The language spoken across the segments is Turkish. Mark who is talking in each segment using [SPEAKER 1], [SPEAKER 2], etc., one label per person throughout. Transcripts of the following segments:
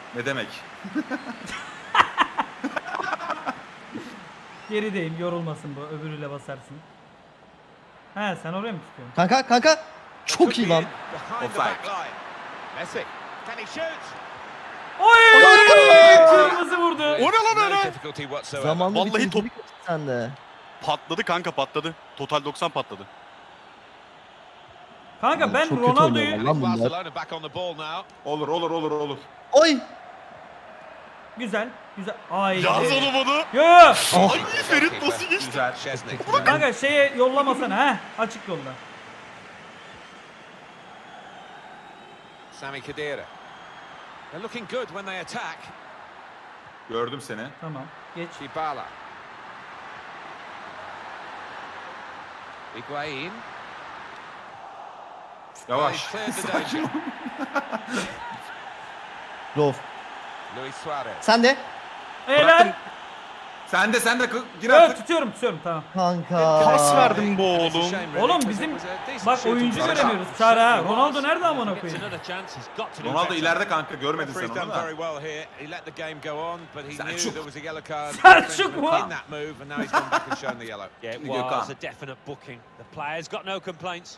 [SPEAKER 1] Ne demek?
[SPEAKER 2] Gerideyim, yorulmasın bu. Öbürüyle basarsın. He, sen oraya mı tutuyorsun?
[SPEAKER 3] Kanka. Çok iyi lan.
[SPEAKER 1] Offside.
[SPEAKER 4] Messi. Can he shoot?
[SPEAKER 2] Oy!
[SPEAKER 3] Kanka!
[SPEAKER 2] Kırmızı vurdu.
[SPEAKER 5] O ne lan öyle?
[SPEAKER 4] Difficulty whatsoever.
[SPEAKER 3] Zamanlı
[SPEAKER 5] Vallahi
[SPEAKER 3] bir
[SPEAKER 5] top-
[SPEAKER 3] top sende.
[SPEAKER 5] Patladı kanka patladı. Total 90 patladı.
[SPEAKER 2] Kanka
[SPEAKER 3] Oğlum,
[SPEAKER 2] ben
[SPEAKER 3] çok kötü
[SPEAKER 2] Ronaldo'yu...
[SPEAKER 3] oynuyorlar lan bunlar.
[SPEAKER 4] Barcelona back on the ball now.
[SPEAKER 1] Olur.
[SPEAKER 3] Oy!
[SPEAKER 2] Güzel. Ay.
[SPEAKER 5] Yaz oğlum onu.
[SPEAKER 2] Yo.
[SPEAKER 3] Oh.
[SPEAKER 5] Ay Ferit nasıl geçti?
[SPEAKER 1] Güzel.
[SPEAKER 4] Chesney.
[SPEAKER 2] Kanka şeye yollamasana ha. Açık yolda.
[SPEAKER 4] Sami Khedira. They're looking good when they attack.
[SPEAKER 1] Gördüm seni.
[SPEAKER 2] Tamam. Geç.
[SPEAKER 4] Dybala. Higuain.
[SPEAKER 1] Yavaş.
[SPEAKER 4] Well, he's cleared the danger.
[SPEAKER 3] Rolf.
[SPEAKER 4] Luis Suarez.
[SPEAKER 3] Sen de.
[SPEAKER 2] Helal.
[SPEAKER 1] Sen de gir
[SPEAKER 2] Evet,
[SPEAKER 1] artık.
[SPEAKER 2] tutuyorum tutamam.
[SPEAKER 3] Kanka.
[SPEAKER 5] Pas verdim bu
[SPEAKER 4] It's a
[SPEAKER 5] oğlum.
[SPEAKER 4] shame, really,
[SPEAKER 2] Oğlum
[SPEAKER 4] because
[SPEAKER 2] bizim
[SPEAKER 4] it was a decent
[SPEAKER 2] bak
[SPEAKER 4] shooting
[SPEAKER 2] oyuncu
[SPEAKER 4] position.
[SPEAKER 2] göremiyoruz. Çağrı ha. Ronaldo nerede amına koyayım?
[SPEAKER 1] Ronaldo ileride kanka, görmedin sen
[SPEAKER 4] Referee's
[SPEAKER 1] onu
[SPEAKER 4] done
[SPEAKER 1] da.
[SPEAKER 4] very well here. He let the game go on, but he knew
[SPEAKER 1] Selçuk.
[SPEAKER 4] there was a yellow card
[SPEAKER 2] Selçuk mu?
[SPEAKER 4] in that move, and now he's gone back and shown the yellow.
[SPEAKER 6] Yeah, it
[SPEAKER 1] Gökhan.
[SPEAKER 6] was a definite booking. The player's got no complaints.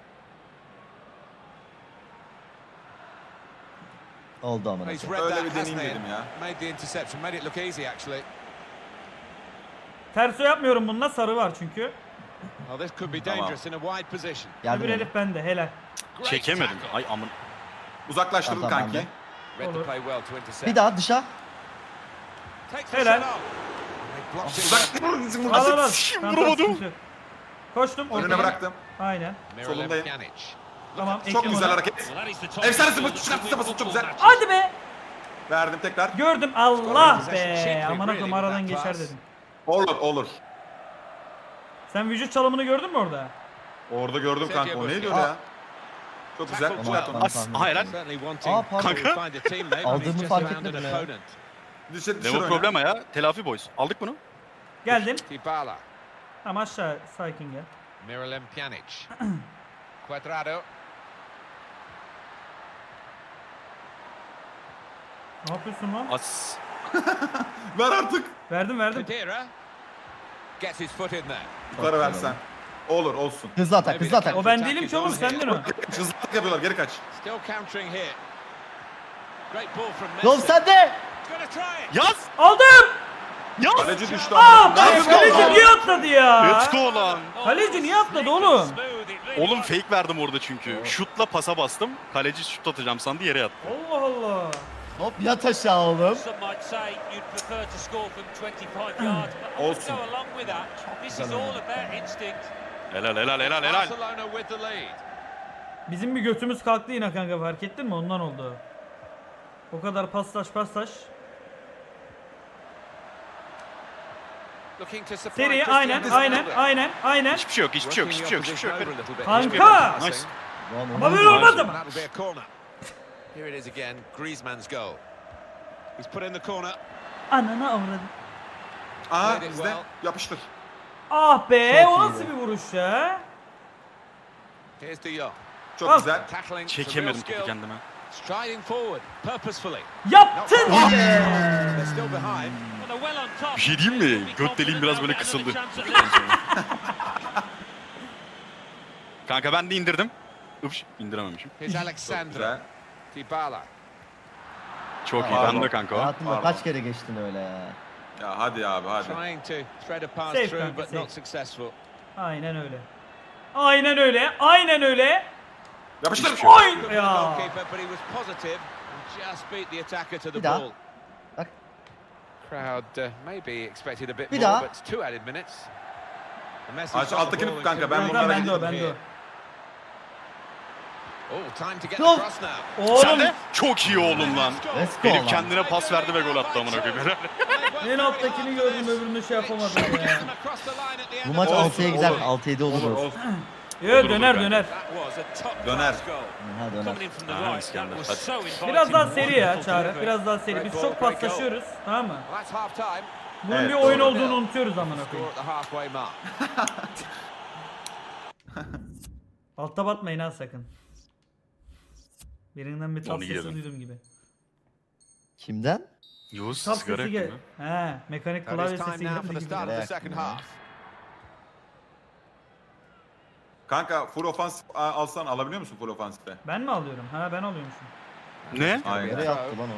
[SPEAKER 3] Oldu amına.
[SPEAKER 4] He's
[SPEAKER 3] koyayım.
[SPEAKER 4] read
[SPEAKER 1] Öyle
[SPEAKER 4] that,
[SPEAKER 1] bir
[SPEAKER 4] hasn't
[SPEAKER 1] deneyim
[SPEAKER 4] he?
[SPEAKER 1] dedim ya.
[SPEAKER 4] Made the interception, made it look easy actually.
[SPEAKER 2] Terso yapmıyorum bununla, sarı var çünkü.
[SPEAKER 4] Oh, this could be
[SPEAKER 1] Tamam.
[SPEAKER 4] dangerous in a wide position.
[SPEAKER 3] Yardım
[SPEAKER 2] Öbür
[SPEAKER 3] edin.
[SPEAKER 2] herif bende, helal.
[SPEAKER 4] Great
[SPEAKER 5] Çekemedim.
[SPEAKER 4] tackle.
[SPEAKER 5] Ay amın.
[SPEAKER 1] Uzaklaştırdın
[SPEAKER 3] Tamam,
[SPEAKER 1] kanki.
[SPEAKER 3] ben de.
[SPEAKER 4] Read the
[SPEAKER 2] Olur.
[SPEAKER 4] play well to intercept.
[SPEAKER 3] Bir daha dışa.
[SPEAKER 4] Takes the
[SPEAKER 2] Helal.
[SPEAKER 4] shot off. They blocked it
[SPEAKER 1] Uzak.
[SPEAKER 2] Al al al.
[SPEAKER 5] Nasıl
[SPEAKER 2] Tamam,
[SPEAKER 5] vuramadım?
[SPEAKER 2] sıkıntı yok. Koştum.
[SPEAKER 1] Önüne
[SPEAKER 2] ortaya.
[SPEAKER 1] bıraktım.
[SPEAKER 2] Aynen.
[SPEAKER 4] well.
[SPEAKER 1] Solundayım.
[SPEAKER 4] Miralem Pjanic.
[SPEAKER 2] Tamam.
[SPEAKER 1] Çok
[SPEAKER 2] ekledim
[SPEAKER 1] güzel
[SPEAKER 2] onu.
[SPEAKER 1] hareket.
[SPEAKER 6] Well, that is the top
[SPEAKER 1] Efsane
[SPEAKER 6] goal
[SPEAKER 1] sıfır.
[SPEAKER 6] that
[SPEAKER 1] Çıkarttı
[SPEAKER 6] wins
[SPEAKER 1] sıfır. Çok güzel.
[SPEAKER 6] matches.
[SPEAKER 2] Hadi be.
[SPEAKER 1] Verdim tekrar.
[SPEAKER 2] Gördüm. Allah be. Amına koyayım, aradan geçer dedim.
[SPEAKER 1] Olur.
[SPEAKER 2] Sen vücut çalımını gördün mü orada?
[SPEAKER 1] Orada gördüm kanka. O neydi öyle
[SPEAKER 3] Aa.
[SPEAKER 1] ya? Çok güzel.
[SPEAKER 4] Tackled
[SPEAKER 1] Çıkart
[SPEAKER 4] well.
[SPEAKER 1] onu.
[SPEAKER 5] As. Aha helal.
[SPEAKER 4] Certainly wanting
[SPEAKER 3] Aa, pardon.
[SPEAKER 4] to find a teammate, but
[SPEAKER 3] Aldığımı
[SPEAKER 4] he's just
[SPEAKER 3] fark
[SPEAKER 4] found an
[SPEAKER 3] etmedim ya.
[SPEAKER 4] opponent.
[SPEAKER 1] Düşür
[SPEAKER 5] Ne bu
[SPEAKER 1] oyna.
[SPEAKER 5] problema ya? Telafi boys. Aldık bunu.
[SPEAKER 2] Geldim.
[SPEAKER 4] Dybala.
[SPEAKER 2] Tamam, aşağı sakin gel.
[SPEAKER 4] Miralem Pjanic. Cuadrado.
[SPEAKER 2] Ne yapıyorsun lan?
[SPEAKER 5] As.
[SPEAKER 1] Ver artık.
[SPEAKER 2] Verdim.
[SPEAKER 4] Khedira. Gets his foot in there.
[SPEAKER 1] Yukarı versen. Olur, olsun.
[SPEAKER 3] Hızlı atak.
[SPEAKER 2] O ben değilim ki oğlum, sendin o.
[SPEAKER 1] Hızlılık yapıyorlar, geri kaç.
[SPEAKER 4] Still countering here. Great ball from Messi.
[SPEAKER 3] Rolf sen de.
[SPEAKER 4] Gonna try it.
[SPEAKER 5] Yaz.
[SPEAKER 2] Aldım.
[SPEAKER 5] Yaz.
[SPEAKER 1] Kaleci düştü
[SPEAKER 2] Aa,
[SPEAKER 1] ama.
[SPEAKER 2] kaleci niye atladı ya?
[SPEAKER 5] Let's go lan.
[SPEAKER 2] Kaleci niye atladı oğlum?
[SPEAKER 5] Oğlum fake verdim orada çünkü. Şutla pasa bastım. Kaleci şut atacağım sandı yere yattı.
[SPEAKER 2] Allah Allah.
[SPEAKER 3] Hop yat aşağı oğlum.
[SPEAKER 6] Some might say you'd prefer to score from 25 yards, but I would
[SPEAKER 1] Olsun.
[SPEAKER 6] go along with that. This is all about instinct.
[SPEAKER 5] Helal.
[SPEAKER 4] Barcelona with the lead.
[SPEAKER 2] Bizim bir götümüz kalktı yine kanka, fark ettin mi? Ondan oldu. O kadar paslaş.
[SPEAKER 4] Looking to supply
[SPEAKER 2] Seri
[SPEAKER 4] Cristiano
[SPEAKER 2] aynen.
[SPEAKER 4] Ronaldo.
[SPEAKER 5] Hiçbir şey yok.
[SPEAKER 4] Working the opposition over a little bit.
[SPEAKER 2] Kanka!
[SPEAKER 5] Nice.
[SPEAKER 2] Ama böyle olmaz ama.
[SPEAKER 4] That'll be a corner. Here it is again. Griezmann's goal. He's put in the corner.
[SPEAKER 2] Ananı avradım.
[SPEAKER 1] Aa, bizde. Yapıştır.
[SPEAKER 2] Ah be,
[SPEAKER 3] Çok
[SPEAKER 2] o
[SPEAKER 3] iyi
[SPEAKER 2] nasıl
[SPEAKER 3] be.
[SPEAKER 2] bir vuruş ya?
[SPEAKER 4] Here's De Jong.
[SPEAKER 1] Çok
[SPEAKER 2] Al.
[SPEAKER 1] güzel.
[SPEAKER 4] Tackling.
[SPEAKER 5] Çekemedim
[SPEAKER 4] some real
[SPEAKER 5] topu
[SPEAKER 4] skill.
[SPEAKER 5] kendime.
[SPEAKER 4] Striding forward purposefully.
[SPEAKER 2] Yaptın.
[SPEAKER 4] They're still behind.
[SPEAKER 6] Well, they're well on top.
[SPEAKER 5] Bir şey diyeyim mi?
[SPEAKER 6] They'll be
[SPEAKER 5] Göt deliğim
[SPEAKER 6] confident
[SPEAKER 5] biraz
[SPEAKER 6] they'll
[SPEAKER 5] böyle
[SPEAKER 6] get
[SPEAKER 5] kısıldı.
[SPEAKER 6] another chance at least.
[SPEAKER 5] Kanka ben de indirdim. Üps indirememişim.
[SPEAKER 4] Here's
[SPEAKER 1] Çok
[SPEAKER 4] Alexandra.
[SPEAKER 1] güzel.
[SPEAKER 4] Dybala.
[SPEAKER 5] Çok iyi.
[SPEAKER 1] Pardon.
[SPEAKER 5] Ben de kanka o.
[SPEAKER 3] Hayatımda
[SPEAKER 1] Pardon.
[SPEAKER 3] kaç kere geçtin öyle ya.
[SPEAKER 1] Ya hadi abi, hadi.
[SPEAKER 4] Trying to thread a pass
[SPEAKER 2] Safe,
[SPEAKER 4] through,
[SPEAKER 2] kanka,
[SPEAKER 4] but
[SPEAKER 2] safe.
[SPEAKER 4] not successful.
[SPEAKER 2] Aynen öyle.
[SPEAKER 1] Yapıştır.
[SPEAKER 2] Oy
[SPEAKER 4] Good for the
[SPEAKER 2] ya.
[SPEAKER 4] goalkeeper, but he was positive and just beat the attacker to the
[SPEAKER 3] Bir daha.
[SPEAKER 4] ball.
[SPEAKER 3] Bak.
[SPEAKER 4] Crowd maybe expected a bit
[SPEAKER 3] Bir
[SPEAKER 4] more,
[SPEAKER 3] daha.
[SPEAKER 4] but 2 added minutes. And Messi
[SPEAKER 1] Aç,
[SPEAKER 4] shot the
[SPEAKER 1] alttakini
[SPEAKER 4] ball
[SPEAKER 1] tut kanka,
[SPEAKER 4] into
[SPEAKER 1] ben
[SPEAKER 4] real
[SPEAKER 1] bunlara
[SPEAKER 4] danger
[SPEAKER 1] gidiyorum.
[SPEAKER 2] bende o.
[SPEAKER 4] Oh, time to get
[SPEAKER 3] Yok.
[SPEAKER 4] across now.
[SPEAKER 2] Oğlum
[SPEAKER 5] Sen de çok iyi oğlum lan.
[SPEAKER 3] Let's go
[SPEAKER 5] Herif
[SPEAKER 3] lan.
[SPEAKER 5] kendine pas verdi ve gol attı amına koyayım.
[SPEAKER 2] en alttakini gördüm, öbürünü şey yapamadım ya.
[SPEAKER 3] Bu maç
[SPEAKER 1] Olsun,
[SPEAKER 3] 6'ya gider.
[SPEAKER 1] olur.
[SPEAKER 3] 6-7 olur.
[SPEAKER 1] Olur,
[SPEAKER 3] Rolf.
[SPEAKER 1] olsun.
[SPEAKER 2] Yo, döner.
[SPEAKER 1] Döner.
[SPEAKER 3] Ha döner.
[SPEAKER 6] Coming in from the
[SPEAKER 5] Ah,
[SPEAKER 6] right, that
[SPEAKER 5] İskender,
[SPEAKER 6] was
[SPEAKER 5] hadi.
[SPEAKER 6] so inviting.
[SPEAKER 2] Biraz daha seri ya
[SPEAKER 6] Wonderful
[SPEAKER 2] Çağrı.
[SPEAKER 6] delivery.
[SPEAKER 2] Biraz daha seri. Biz çok paslaşıyoruz. Tamam mı?
[SPEAKER 4] That's half time.
[SPEAKER 2] Bunun
[SPEAKER 1] Evet,
[SPEAKER 2] bir oyun
[SPEAKER 1] doğru.
[SPEAKER 2] olduğunu unutuyoruz amına
[SPEAKER 4] Score
[SPEAKER 2] koyayım.
[SPEAKER 4] at the halfway mark.
[SPEAKER 2] Altta batmayın ha sakın. Birinden bir tat
[SPEAKER 5] Onu
[SPEAKER 2] sesi
[SPEAKER 5] girelim.
[SPEAKER 2] duydum gibi.
[SPEAKER 3] Kimden?
[SPEAKER 5] Yavuz
[SPEAKER 2] Tap
[SPEAKER 5] sigara
[SPEAKER 2] sesi
[SPEAKER 5] yaktın
[SPEAKER 2] gel.
[SPEAKER 5] ha.
[SPEAKER 2] He, mekanik
[SPEAKER 4] And
[SPEAKER 2] klavye
[SPEAKER 4] it's time
[SPEAKER 2] sesi
[SPEAKER 4] now for
[SPEAKER 2] geldi
[SPEAKER 4] the
[SPEAKER 2] gibi.
[SPEAKER 4] start of the
[SPEAKER 3] Merak
[SPEAKER 4] second
[SPEAKER 3] etme.
[SPEAKER 4] half.
[SPEAKER 1] Kanka full ofansif alsan alabiliyor musun full ofansife?
[SPEAKER 2] Ben mi alıyorum? Ha ben alıyormuşum.
[SPEAKER 5] Ne?
[SPEAKER 1] Aynen.
[SPEAKER 3] Nereye attı lan o?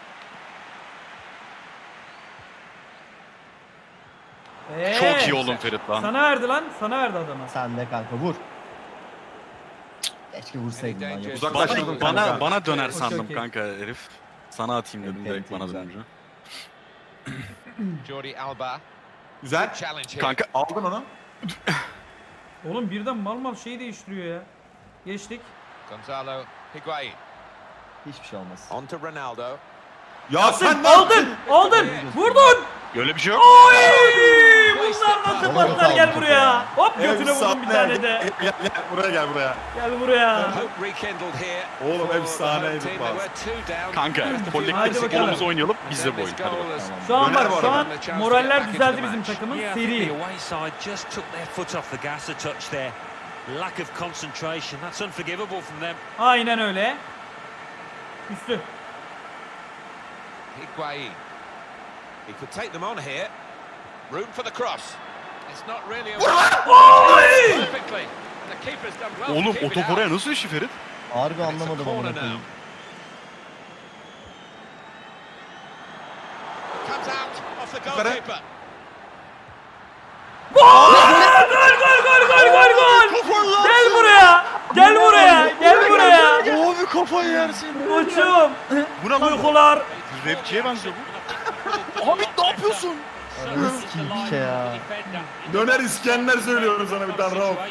[SPEAKER 5] Çok iyi oğlum Ferit lan.
[SPEAKER 2] Sana verdi lan. Sana verdi adama.
[SPEAKER 3] Sen de kanka vur. Keşke vursaydın lan.
[SPEAKER 4] Uzak-
[SPEAKER 1] Uzaklaştırdım
[SPEAKER 5] Bana
[SPEAKER 1] kanka.
[SPEAKER 5] bana döner
[SPEAKER 2] Okey,
[SPEAKER 5] sandım
[SPEAKER 2] okey.
[SPEAKER 5] kanka herif. Sana atayım dedim
[SPEAKER 3] Okey,
[SPEAKER 5] direkt bana
[SPEAKER 3] güzel.
[SPEAKER 5] dönünce.
[SPEAKER 4] Jordi Alba.
[SPEAKER 1] Güzel.
[SPEAKER 4] Challenge here.
[SPEAKER 5] Kanka
[SPEAKER 1] Aldın onu.
[SPEAKER 2] Oğlum birden mal şeyi değiştiriyor ya. Geçtik.
[SPEAKER 4] Gonzalo Higuain.
[SPEAKER 3] Hiçbir şey olmaz.
[SPEAKER 4] On to Ronaldo.
[SPEAKER 1] Ya sen ne
[SPEAKER 2] Aldın! Aldın! Vurdun!
[SPEAKER 5] öyle bir şey yok.
[SPEAKER 2] Oy! Bunlar nasıl
[SPEAKER 3] Vallahi
[SPEAKER 2] patlar gel
[SPEAKER 3] kaldı
[SPEAKER 2] buraya. Hop götüne
[SPEAKER 1] Efsane.
[SPEAKER 2] vurdum bir tane de.
[SPEAKER 1] Gel buraya gel buraya.
[SPEAKER 2] Gel buraya.
[SPEAKER 4] Hope rekindled here.
[SPEAKER 1] Oğlum,
[SPEAKER 4] for the
[SPEAKER 1] efsaneydi
[SPEAKER 4] home team.
[SPEAKER 1] pas.
[SPEAKER 4] They were two down.
[SPEAKER 5] Kanka
[SPEAKER 2] Hadi
[SPEAKER 5] kolektif
[SPEAKER 2] bakalım.
[SPEAKER 5] golümüzü oynayalım biz de
[SPEAKER 4] And
[SPEAKER 5] bu
[SPEAKER 4] this
[SPEAKER 5] oyun. Hadi
[SPEAKER 4] goal
[SPEAKER 5] bakalım.
[SPEAKER 4] has
[SPEAKER 2] Şu an
[SPEAKER 1] Döner
[SPEAKER 2] bak
[SPEAKER 1] bu
[SPEAKER 2] şu an
[SPEAKER 1] arada.
[SPEAKER 2] moraller düzeldi bizim takımın.
[SPEAKER 6] Yeah, I think the
[SPEAKER 2] Seri.
[SPEAKER 6] away side just took their foot off the gas a touch there. Lack of concentration. That's unforgivable from them.
[SPEAKER 2] Aynen öyle. Üstü.
[SPEAKER 4] Higuain. He could take them on here. Room for the cross. It's not really a perfectly. The keeper's done well. to
[SPEAKER 5] Oğlum
[SPEAKER 4] keep
[SPEAKER 5] o
[SPEAKER 4] it
[SPEAKER 5] top
[SPEAKER 4] out.
[SPEAKER 5] oraya nasıl düştü Ferit?
[SPEAKER 3] Harbi
[SPEAKER 4] And it's a
[SPEAKER 3] anlamadım
[SPEAKER 4] corner
[SPEAKER 3] amına
[SPEAKER 4] now.
[SPEAKER 3] koyayım.
[SPEAKER 4] Comes out off the
[SPEAKER 1] Yukarı.
[SPEAKER 4] goalkeeper.
[SPEAKER 2] Gol! Gel buraya. Gel buraya. Gel buraya.
[SPEAKER 5] Abi kafayı yersin.
[SPEAKER 2] Koçum.
[SPEAKER 5] Bu ne lan?
[SPEAKER 2] Uykular.
[SPEAKER 5] Rapçiye benziyor bu. Abi ne yapıyorsun?
[SPEAKER 3] Ananı sikeyim bir şey ya.
[SPEAKER 1] Döner İskender söylüyorum sana bir tane Rauf.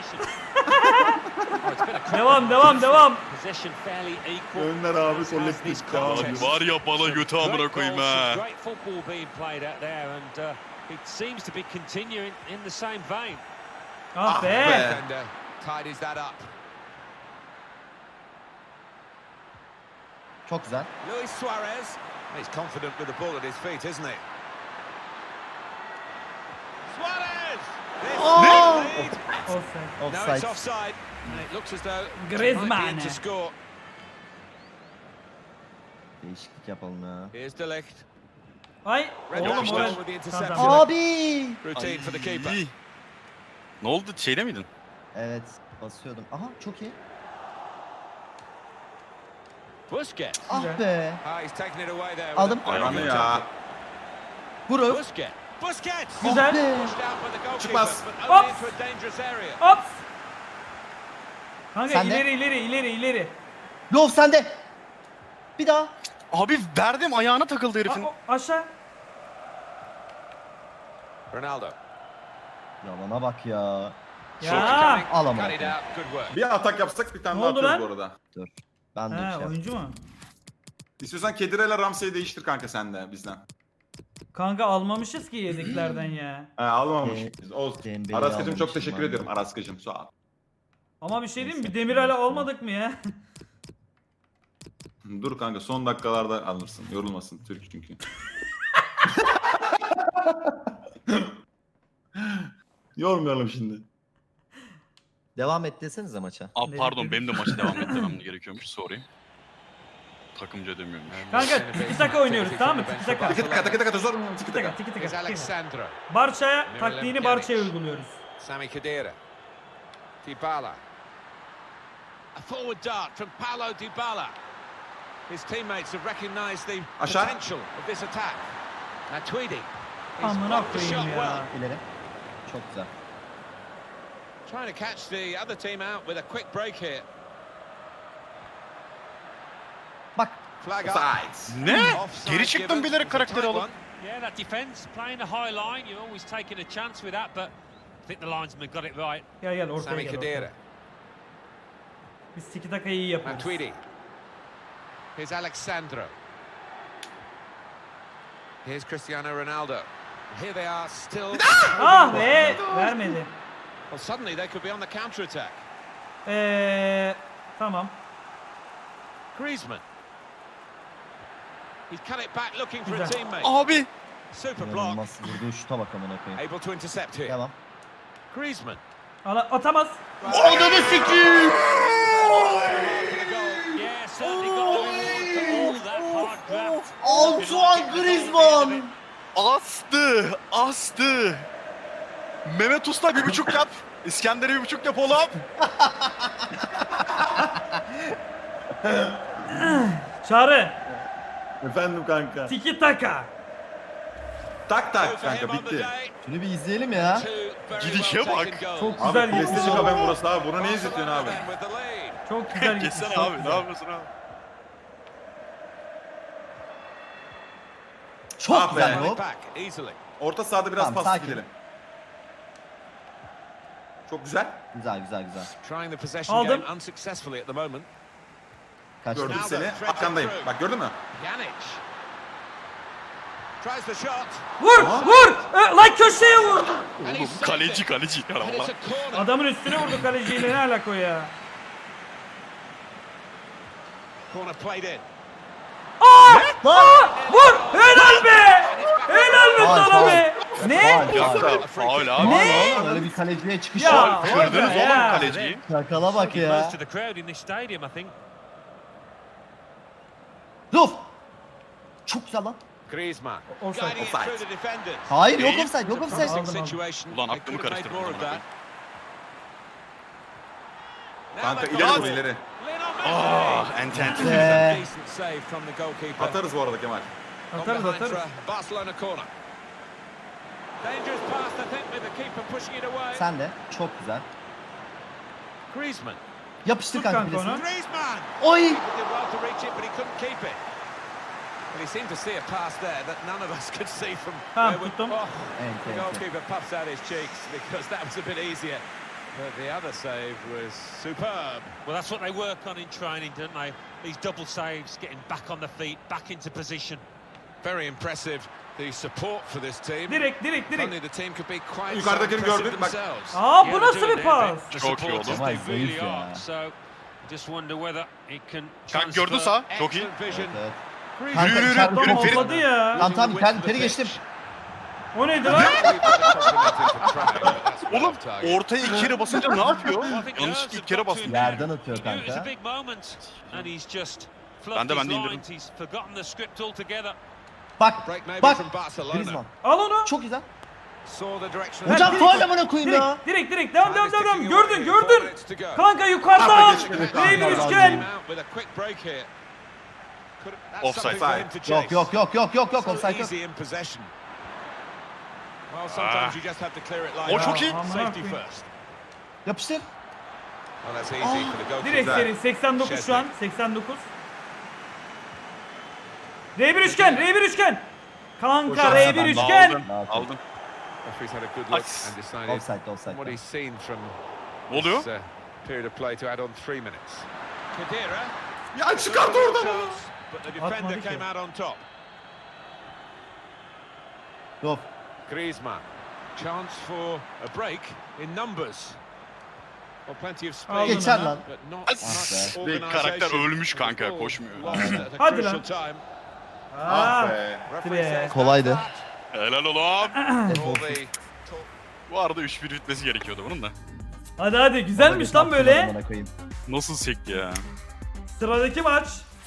[SPEAKER 2] Devam devam devam.
[SPEAKER 6] Possession fairly equal.
[SPEAKER 1] Döner abi
[SPEAKER 6] As
[SPEAKER 1] kolektif.
[SPEAKER 6] this
[SPEAKER 1] Devam
[SPEAKER 6] contest.
[SPEAKER 1] ediyor.
[SPEAKER 5] Var ya bala götü amına koyayım ha.
[SPEAKER 6] Great football being played out there, and it seems to be continuing in the same vein.
[SPEAKER 2] Ah be.
[SPEAKER 4] Defender tidies that up.
[SPEAKER 3] Çok güzel.
[SPEAKER 4] Luis Suarez. He's confident with the ball at his feet, isn't he? Suarez! This
[SPEAKER 3] Oh!
[SPEAKER 4] is lead.
[SPEAKER 2] Offside.
[SPEAKER 4] No, it's
[SPEAKER 3] Offside.
[SPEAKER 4] offside. And it looks as though it
[SPEAKER 2] Griezmann.
[SPEAKER 4] might be in to score.
[SPEAKER 3] Değişiklik yapalım ya.
[SPEAKER 4] Here's De Ligt.
[SPEAKER 2] Ay.
[SPEAKER 4] Red
[SPEAKER 2] Oğlum
[SPEAKER 4] Raptor
[SPEAKER 2] moral.
[SPEAKER 4] with the interception.
[SPEAKER 2] Tamam, tamam.
[SPEAKER 3] Abi!
[SPEAKER 4] Routine for the keeper.
[SPEAKER 5] Ay. Ne oldu şeyde miydin?
[SPEAKER 3] Evet basıyordum. Aha çok iyi.
[SPEAKER 4] Busquets.
[SPEAKER 3] Ah
[SPEAKER 2] Güzel.
[SPEAKER 3] be.
[SPEAKER 4] Ah, he's taken it away there.
[SPEAKER 3] Aldım.
[SPEAKER 1] Hayvanı ya.
[SPEAKER 3] Vur öp.
[SPEAKER 4] Busquets. Busquets.
[SPEAKER 2] Güzel.
[SPEAKER 3] Be.
[SPEAKER 4] Pushed out by the goalkeeper,
[SPEAKER 1] Çıkmaz.
[SPEAKER 4] but only
[SPEAKER 2] Hops.
[SPEAKER 4] into a dangerous area.
[SPEAKER 2] Hops. Kanka
[SPEAKER 3] Sen de.
[SPEAKER 2] ileri.
[SPEAKER 3] Lov sende. Bir daha.
[SPEAKER 5] Abi verdim ayağına takıldı herifin.
[SPEAKER 2] Aşağı.
[SPEAKER 4] Ronaldo.
[SPEAKER 3] Yalana bak ya.
[SPEAKER 2] Ya.
[SPEAKER 3] Al ama.
[SPEAKER 4] Cut it out. Good work.
[SPEAKER 1] Bir atak yapsak bir tane
[SPEAKER 2] Ne
[SPEAKER 1] daha
[SPEAKER 2] oldu
[SPEAKER 1] atıyoruz
[SPEAKER 2] lan?
[SPEAKER 1] bu arada.
[SPEAKER 3] Dur. Ben de
[SPEAKER 2] Ha
[SPEAKER 3] bir şey yapayım.
[SPEAKER 2] oyuncu mu?
[SPEAKER 1] İstiyorsan Kedire'yle Ramsey'i değiştir kanka sen de bizden.
[SPEAKER 2] Kanka almamışız ki yedeklerden ya.
[SPEAKER 1] Almamışız. Olsun.
[SPEAKER 3] Dembele'yi
[SPEAKER 1] Araskacım çok
[SPEAKER 3] almamışım
[SPEAKER 1] teşekkür
[SPEAKER 3] ben de.
[SPEAKER 1] ediyorum. Araskacım sağ ol.
[SPEAKER 2] Ama bir şey diyeyim mi?
[SPEAKER 3] Neyse.
[SPEAKER 2] Demiral'e almadık mı ya?
[SPEAKER 1] Dur kanka son dakikalarda alırsın. Yorulmasın Türk çünkü. Yormayalım şimdi.
[SPEAKER 3] Devam et desenize maça.
[SPEAKER 5] Abi
[SPEAKER 2] Ne
[SPEAKER 5] pardon
[SPEAKER 2] dedik?
[SPEAKER 5] benim de maçı devam ettirmem gerekiyormuş sorry. Takımca demiyormuş.
[SPEAKER 2] Kanka tiki taka oynuyoruz tamam mı? Tiki taka.
[SPEAKER 1] Tiki taka tiki taka zor mu? Tiki
[SPEAKER 2] Tiki
[SPEAKER 1] taka.
[SPEAKER 2] taka tiki
[SPEAKER 4] Here's
[SPEAKER 2] taka.
[SPEAKER 4] Alexandro.
[SPEAKER 2] Barça'ya taktiğini Barça'ya uyguluyoruz.
[SPEAKER 4] Sami Khedira. Dybala. A forward dart from Paulo Dybala. His teammates have recognised the
[SPEAKER 1] Aşağı.
[SPEAKER 4] potential of this attack. Now Tweedy. He's
[SPEAKER 2] Amına
[SPEAKER 4] blocked the shot
[SPEAKER 2] koyayım
[SPEAKER 4] well.
[SPEAKER 2] ya.
[SPEAKER 3] İleri. Çok güzel.
[SPEAKER 4] Trying to catch the other team out with a quick break here.
[SPEAKER 3] Bak.
[SPEAKER 4] Flag up.
[SPEAKER 1] Sides.
[SPEAKER 5] Ne?
[SPEAKER 4] Offside
[SPEAKER 5] Geri çıktım
[SPEAKER 4] given.
[SPEAKER 5] bilerek
[SPEAKER 4] It's a
[SPEAKER 5] karakteri
[SPEAKER 4] tight
[SPEAKER 5] alıp.
[SPEAKER 4] one.
[SPEAKER 6] Yeah, that defence playing the high line. You're always taking a chance with that, but I think the linesman got it right.
[SPEAKER 2] Gel ortaya
[SPEAKER 4] Sami
[SPEAKER 2] gel.
[SPEAKER 4] Khedira.
[SPEAKER 2] Ortaya. Biz tiki takayı iyi
[SPEAKER 4] Now
[SPEAKER 2] yapıyoruz.
[SPEAKER 4] Tweedy. Here's Alexandro. Here's Cristiano Ronaldo. Here they are still.
[SPEAKER 2] Ah be! Vermedi.
[SPEAKER 4] Well, suddenly they could be on the counter attack.
[SPEAKER 2] Tamam.
[SPEAKER 4] Griezmann. He's cut it back looking for a
[SPEAKER 2] Güzel.
[SPEAKER 4] teammate.
[SPEAKER 5] Abi.
[SPEAKER 4] Super block.
[SPEAKER 3] İnanılmaz. Vurduğu şuta bak amına koyayım.
[SPEAKER 4] Able to intercept here.
[SPEAKER 3] Devam.
[SPEAKER 4] Griezmann.
[SPEAKER 2] Atamaz.
[SPEAKER 3] Ananı sikeyim.
[SPEAKER 4] For the goal.
[SPEAKER 6] Yeah, certainly got the reward for all that hard graft.
[SPEAKER 3] Antoine Griezmann.
[SPEAKER 5] Astı. Mehmet Usta 1.5 yap. İskender'e 1.5 yap oğlum.
[SPEAKER 2] Çağrı.
[SPEAKER 1] Efendim kanka.
[SPEAKER 2] Tiki taka.
[SPEAKER 1] Tak tak
[SPEAKER 4] For him
[SPEAKER 1] kanka
[SPEAKER 4] on the
[SPEAKER 1] bitti.
[SPEAKER 4] day.
[SPEAKER 3] Şunu bir izleyelim ya.
[SPEAKER 4] Two very
[SPEAKER 5] Gidişe
[SPEAKER 4] well
[SPEAKER 5] bak.
[SPEAKER 4] taken goals.
[SPEAKER 2] Çok
[SPEAKER 1] Abi
[SPEAKER 2] güzel gitmiş.
[SPEAKER 1] PlayStation kafen burası abi. Bunu ne izletiyorsun abi?
[SPEAKER 4] Barcelona with the lead.
[SPEAKER 2] Çok güzel gitmiş.
[SPEAKER 5] Geçsene
[SPEAKER 2] çok
[SPEAKER 5] abi,
[SPEAKER 2] güzel.
[SPEAKER 5] ne yapıyorsun abi?
[SPEAKER 3] Çok
[SPEAKER 1] Ah be.
[SPEAKER 3] güzel
[SPEAKER 4] Money
[SPEAKER 3] hop.
[SPEAKER 4] back easily.
[SPEAKER 1] Orta sahada biraz
[SPEAKER 3] Tamam,
[SPEAKER 1] pas
[SPEAKER 3] sakin.
[SPEAKER 1] gidelim. Çok güzel.
[SPEAKER 3] Güzel.
[SPEAKER 4] Trying the possession
[SPEAKER 2] Aldım.
[SPEAKER 4] game unsuccessfully at the moment.
[SPEAKER 3] Kaçtı.
[SPEAKER 1] Gördüm seni. Arkandayım. Bak gördün mü?
[SPEAKER 4] Pjanic. Tries the shot.
[SPEAKER 2] Vur vur. Lan köşeye vur.
[SPEAKER 4] And he
[SPEAKER 5] Oğlum
[SPEAKER 4] saved
[SPEAKER 5] kaleci
[SPEAKER 4] it.
[SPEAKER 5] ya
[SPEAKER 4] And it's
[SPEAKER 5] valla.
[SPEAKER 4] a corner.
[SPEAKER 2] Adamın üstüne vurdu kaleciyle, ne alaka o ya?
[SPEAKER 4] Corner played in.
[SPEAKER 2] Vur. Helal be. Helal be
[SPEAKER 3] Faul,
[SPEAKER 2] sana
[SPEAKER 3] faul.
[SPEAKER 2] be. Ne?
[SPEAKER 5] Faul abi.
[SPEAKER 2] Ne?
[SPEAKER 3] Öyle bir kaleciye çıkış
[SPEAKER 2] Ya.
[SPEAKER 3] var.
[SPEAKER 5] Kırdınız
[SPEAKER 2] Ya.
[SPEAKER 5] oğlum kaleciyi.
[SPEAKER 3] Şakala bak
[SPEAKER 6] Give
[SPEAKER 3] ya.
[SPEAKER 6] most of the crowd in this stadium, I think.
[SPEAKER 3] Ruf. Çok güzel lan.
[SPEAKER 4] Griezmann.
[SPEAKER 2] Offside.
[SPEAKER 4] Guiding it through the defenders.
[SPEAKER 3] Hayır yok
[SPEAKER 5] Değil.
[SPEAKER 3] offside yok
[SPEAKER 4] It's a
[SPEAKER 3] offside.
[SPEAKER 4] promising
[SPEAKER 2] Aldım.
[SPEAKER 4] situation.
[SPEAKER 5] Ulan
[SPEAKER 4] They
[SPEAKER 5] aklımı
[SPEAKER 4] could have made
[SPEAKER 5] karıştırdım
[SPEAKER 4] more of
[SPEAKER 5] amına
[SPEAKER 4] that. Now
[SPEAKER 1] Kanka
[SPEAKER 4] they've
[SPEAKER 1] ileri
[SPEAKER 4] got
[SPEAKER 1] vur
[SPEAKER 4] it.
[SPEAKER 1] ileri.
[SPEAKER 4] Lionel
[SPEAKER 5] Ah,
[SPEAKER 4] Messi.
[SPEAKER 5] ente.
[SPEAKER 4] Decent save from the goalkeeper.
[SPEAKER 1] Atarız bu arada Kemal.
[SPEAKER 4] Gone
[SPEAKER 2] Atarız
[SPEAKER 4] behind
[SPEAKER 2] atarız.
[SPEAKER 4] for a Barcelona corner. Dangerous pass, I think, with the keeper pushing it away.
[SPEAKER 3] Sen de. Çok güzel.
[SPEAKER 4] Griezmann.
[SPEAKER 3] Yapıştır
[SPEAKER 2] Tut
[SPEAKER 3] kanka
[SPEAKER 2] kanka
[SPEAKER 3] bilesini.
[SPEAKER 2] onu.
[SPEAKER 4] Griezmann!
[SPEAKER 3] Oy.
[SPEAKER 4] He did well to reach it, but he couldn't keep it. Well, he seemed to see a pass there that none of us could see from
[SPEAKER 2] Tamam,
[SPEAKER 4] where we...
[SPEAKER 2] tuttum.
[SPEAKER 4] Oh,
[SPEAKER 3] Ente
[SPEAKER 4] the
[SPEAKER 3] ente.
[SPEAKER 4] goalkeeper puffs out his cheeks because that was a bit easier. But the other save was superb.
[SPEAKER 6] Well, that's what they work on in training, don't they? These double saves, getting back on the feet, back into position.
[SPEAKER 4] Very impressive, the support for this team.
[SPEAKER 2] Direkt
[SPEAKER 4] If only the team could be quite so
[SPEAKER 1] Yukarıdakini
[SPEAKER 4] impressive
[SPEAKER 1] gördün, bak.
[SPEAKER 4] themselves.
[SPEAKER 2] Aa
[SPEAKER 6] Yeah,
[SPEAKER 2] bu
[SPEAKER 6] they're
[SPEAKER 2] nasıl
[SPEAKER 6] doing
[SPEAKER 2] bir
[SPEAKER 6] their
[SPEAKER 2] pas?
[SPEAKER 6] bit. The
[SPEAKER 5] Çok iyi
[SPEAKER 6] supporters,
[SPEAKER 5] oldu.
[SPEAKER 3] Vay,
[SPEAKER 6] they really
[SPEAKER 3] zayıf ya.
[SPEAKER 6] are. So, just wonder whether it can
[SPEAKER 5] Kanka gördün
[SPEAKER 6] transfer.
[SPEAKER 5] sağ. Çok iyi.
[SPEAKER 4] Excellent vision.
[SPEAKER 3] Evet.
[SPEAKER 2] Griezmann
[SPEAKER 3] Kanka
[SPEAKER 5] yürü,
[SPEAKER 3] içeride
[SPEAKER 5] yürü,
[SPEAKER 3] top
[SPEAKER 5] Ferit.
[SPEAKER 2] Topladı ya.
[SPEAKER 3] Tamam tamam
[SPEAKER 4] Using the width
[SPEAKER 3] ben
[SPEAKER 4] of the
[SPEAKER 3] teri geçtim.
[SPEAKER 4] pitch.
[SPEAKER 2] O neydi lan?
[SPEAKER 5] Oğlum ortaya iki kere basınca ne yapıyor?
[SPEAKER 6] Well, I think
[SPEAKER 5] Yanlış
[SPEAKER 6] nerves
[SPEAKER 5] iki
[SPEAKER 6] have
[SPEAKER 5] kere
[SPEAKER 6] got to
[SPEAKER 5] bastım.
[SPEAKER 6] him.
[SPEAKER 3] Yerden atıyor
[SPEAKER 6] He knew it was a
[SPEAKER 3] kanka.
[SPEAKER 6] big moment, and he's just
[SPEAKER 5] Ben
[SPEAKER 6] fluffed
[SPEAKER 5] de
[SPEAKER 6] his
[SPEAKER 5] indirdim.
[SPEAKER 6] lines. He's forgotten the script altogether.
[SPEAKER 3] Bak
[SPEAKER 4] Break maybe
[SPEAKER 3] bak.
[SPEAKER 4] from Barcelona.
[SPEAKER 3] Griezmann.
[SPEAKER 2] Al onu.
[SPEAKER 3] Çok güzel.
[SPEAKER 4] Saw the direction.
[SPEAKER 2] Ben
[SPEAKER 3] Hocam
[SPEAKER 2] direkt-
[SPEAKER 3] faul amına koyayım ya.
[SPEAKER 2] Direkt devam
[SPEAKER 4] Time is ticking away.
[SPEAKER 2] gördün
[SPEAKER 4] 4
[SPEAKER 2] gördün.
[SPEAKER 4] minutes to go.
[SPEAKER 2] Kanka yukarıdan.
[SPEAKER 1] Abi geçmedi.
[SPEAKER 2] Ney bir
[SPEAKER 3] Allah
[SPEAKER 2] üçgen.
[SPEAKER 4] Came out with a quick break here. That's
[SPEAKER 5] Offside.
[SPEAKER 4] something for him to chase.
[SPEAKER 3] Yok
[SPEAKER 4] So
[SPEAKER 3] offside yok.
[SPEAKER 4] easy in possession. Well, sometimes you just have to clear it like
[SPEAKER 5] O
[SPEAKER 4] that.
[SPEAKER 5] çok iyi.
[SPEAKER 2] Aman
[SPEAKER 4] Safety
[SPEAKER 2] koyayım.
[SPEAKER 4] first.
[SPEAKER 3] Yapıştır.
[SPEAKER 4] Well, that's easy for the goalkeeper.
[SPEAKER 2] Direkt seri 89 şu an 89. R1 üçgen R1 üçgen. Kanka
[SPEAKER 1] Hocam,
[SPEAKER 2] R1
[SPEAKER 1] ben
[SPEAKER 2] üçgen.
[SPEAKER 5] Aldın. Aldın.
[SPEAKER 4] Referee's had a good look
[SPEAKER 5] Nice.
[SPEAKER 4] and decided
[SPEAKER 3] Offside
[SPEAKER 4] from what
[SPEAKER 3] offside.
[SPEAKER 4] he's seen from
[SPEAKER 5] Ne oluyor?
[SPEAKER 4] this period of play to add on 3 minutes. Khedira.
[SPEAKER 1] Ya çıkart oradan.
[SPEAKER 4] Chance, but the defender
[SPEAKER 2] Atmadı ki.
[SPEAKER 4] came out on top.
[SPEAKER 3] Yok.
[SPEAKER 4] Griezmann. Chance for a break in numbers. Well, plenty of
[SPEAKER 2] Aldın
[SPEAKER 4] speed,
[SPEAKER 3] Geçer
[SPEAKER 2] onu.
[SPEAKER 3] lan.
[SPEAKER 4] but not
[SPEAKER 5] As-
[SPEAKER 4] much
[SPEAKER 5] Bir karakter
[SPEAKER 4] organisation.
[SPEAKER 5] ölmüş kanka,
[SPEAKER 4] Ball
[SPEAKER 5] koşmuyor.
[SPEAKER 4] lost at a
[SPEAKER 2] Hadi
[SPEAKER 4] crucial
[SPEAKER 2] lan.
[SPEAKER 4] time.
[SPEAKER 1] Ah
[SPEAKER 2] Aa.
[SPEAKER 1] be.
[SPEAKER 4] Referee
[SPEAKER 2] Be.
[SPEAKER 4] says
[SPEAKER 3] Kolaydı.
[SPEAKER 4] that's that.
[SPEAKER 5] Helal oğlum.
[SPEAKER 4] All the talk.
[SPEAKER 5] Bu arada 3-1 bitmesi gerekiyordu bunun da.
[SPEAKER 2] Hadi güzelmiş lan böyle.
[SPEAKER 3] Amına koyayım.
[SPEAKER 5] Nasıl sekti ya?
[SPEAKER 2] Sıradaki maç.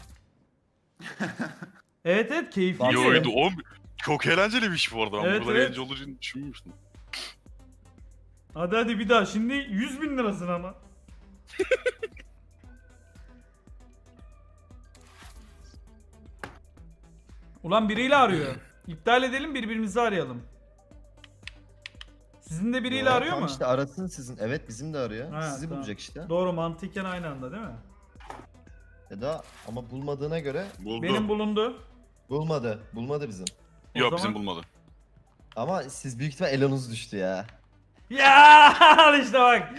[SPEAKER 2] Evet keyifli.
[SPEAKER 5] Yoydu oğlum. Çok eğlenceliymiş bu arada. Ben
[SPEAKER 2] Evet,
[SPEAKER 5] bu kadar
[SPEAKER 2] evet.
[SPEAKER 5] eğlenceli olacağını düşünmüştüm.
[SPEAKER 2] Hadi bir daha şimdi 100.000 lirasın ama. Ulan biriyle arıyor. İptal edelim birbirimizi arayalım. Sizin de biriyle
[SPEAKER 3] Ya,
[SPEAKER 2] arıyor
[SPEAKER 3] tamam
[SPEAKER 2] mu?
[SPEAKER 3] İşte arasın sizin. Evet bizim de arıyor.
[SPEAKER 2] Ha,
[SPEAKER 3] Sizi
[SPEAKER 2] tamam.
[SPEAKER 3] bulacak işte.
[SPEAKER 2] Doğru mantıken aynı anda değil mi?
[SPEAKER 3] Ya da ama bulmadığına göre
[SPEAKER 5] Buldu.
[SPEAKER 2] Benim bulundu.
[SPEAKER 3] bulmadı. Bulmadı bizim.
[SPEAKER 2] O
[SPEAKER 5] Yok
[SPEAKER 2] zaman-
[SPEAKER 5] bizim bulmadı.
[SPEAKER 3] Ama siz büyük ihtimal elonuz düştü ya.
[SPEAKER 2] Ya al işte bak.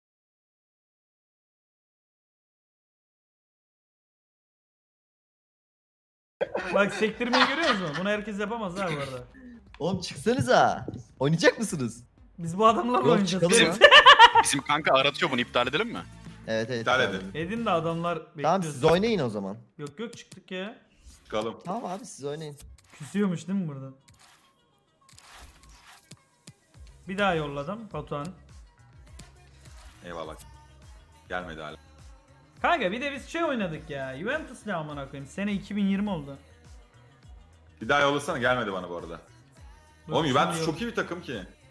[SPEAKER 2] Bak sektirmeyi görüyor musun? Bunu herkes yapamaz ha bu arada.
[SPEAKER 3] Oğlum çıksanıza. Oynayacak mısınız?
[SPEAKER 2] Biz bu adamlarla
[SPEAKER 3] Yok
[SPEAKER 2] oynayacağız.
[SPEAKER 3] çıkalım
[SPEAKER 2] Bizim-
[SPEAKER 3] mı?
[SPEAKER 5] Bizim kanka aratıyor, bunu iptal edelim mi?
[SPEAKER 3] Evet evet.
[SPEAKER 1] İptal
[SPEAKER 3] tamam.
[SPEAKER 1] edin.
[SPEAKER 2] Edin de adamlar bekliyor.
[SPEAKER 3] Tamam siz oynayın o zaman.
[SPEAKER 2] Yok çıktık ya.
[SPEAKER 1] Çıkalım.
[SPEAKER 3] Tamam abi siz oynayın.
[SPEAKER 2] Küsüyormuş değil mi buradan? Bir daha yolladım Batuhan.
[SPEAKER 1] Eyvallah. Gelmedi hala.
[SPEAKER 2] Kanka bir de biz şey oynadık ya. Juventus ne amına koyayım. Sene 2020 oldu.
[SPEAKER 1] Bir daha yollasana, gelmedi bana bu arada.
[SPEAKER 2] Dur,
[SPEAKER 1] Oğlum
[SPEAKER 2] şimdi
[SPEAKER 1] Juventus
[SPEAKER 2] yok.
[SPEAKER 1] çok iyi bir takım ki.